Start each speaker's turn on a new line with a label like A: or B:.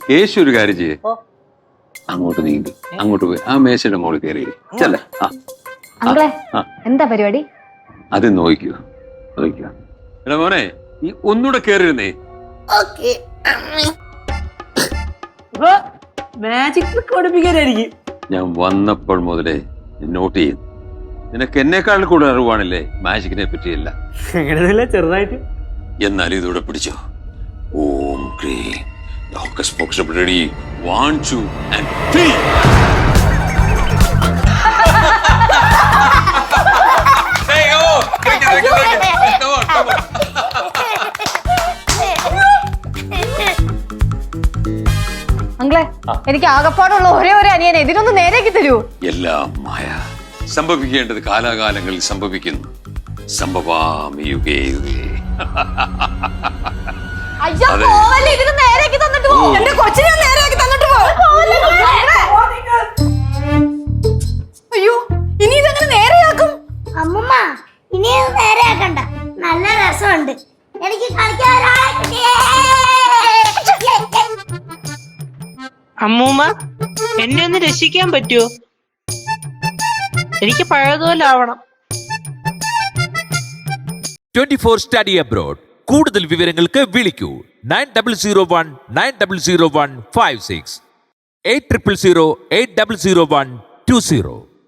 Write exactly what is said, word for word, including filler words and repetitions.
A: കേശു ഒരു കാര്യം ചെയ്യേ, അങ്ങോട്ട് നീങ്ങി അങ്ങോട്ട് പോയി ആ മേശയുടെ മുകളിൽ കയറി ചെല്ലേ. ആ
B: അങ്കിളെ എന്താ പരിപാടി?
A: അത് നോക്കിയോ നോക്കിയോ. എടാ മോനെ, ഈ ഒന്നുകൂടെ കയറിയിരുന്നേ.
C: Magic trick പഠിപ്പിക്കാനായിരിക്കും.
A: ഞാൻ വന്നപ്പോൾ മുതലേ നോട്ട് ചെയ്യുന്നു. നിനക്ക് എന്നെക്കാൾ കൂടുതൽ അറിവാണല്ലേ മാജിക്കിനെ പറ്റിയല്ല.
C: അങ്ങനെയല്ല, ചെറുതായിട്ട്.
A: എന്നാലും ഇതൂടെ പിടിച്ചോ. ഓം ക്രീം hocus pocus ready. One two and three.
B: അങ്കിളെ, എനിക്ക് ആകപ്പാടുള്ള ഒരേ ഒരു അനിയനെ, ഇതിനൊന്ന് നേരെയാക്കി തരൂ.
A: എല്ലാം മായ. സംഭവിക്കേണ്ടത് കാലാകാലങ്ങളിൽ സംഭവിക്കുന്നു. സംഭവാമി യുഗേ യുഗേ.
B: അയ്യോ, പോവല്ലേ, ഇതിന് നേരെയാക്കി തന്നിട്ട് പോ. എന്റെ കൊച്ചിനെ നേരെയാക്കി തന്നിട്ട് പോ. അയ്യോ, ഇനി ഇതെങ്ങനെ നേരെയാക്കും?
D: അമ്മൂമ്മ, ഇനി ഇത് നേരെയാക്കണ്ട. നല്ല രസമുണ്ട്. എനിക്ക് കളിക്കാൻ ഒരാളെ കിട്ടിയേ.
E: അമ്മൂമ്മ, എന്നെ ഒന്ന് രക്ഷിക്കാൻ പറ്റുമോ? എനിക്ക് പഴയതുപോലെ ആവണം.
F: Twenty four study abroad. കൂടുതൽ വിവരങ്ങൾക്ക് വിളിക്കൂ nine double zero one nine double zero one five six eight triple zero eight double zero one two zero.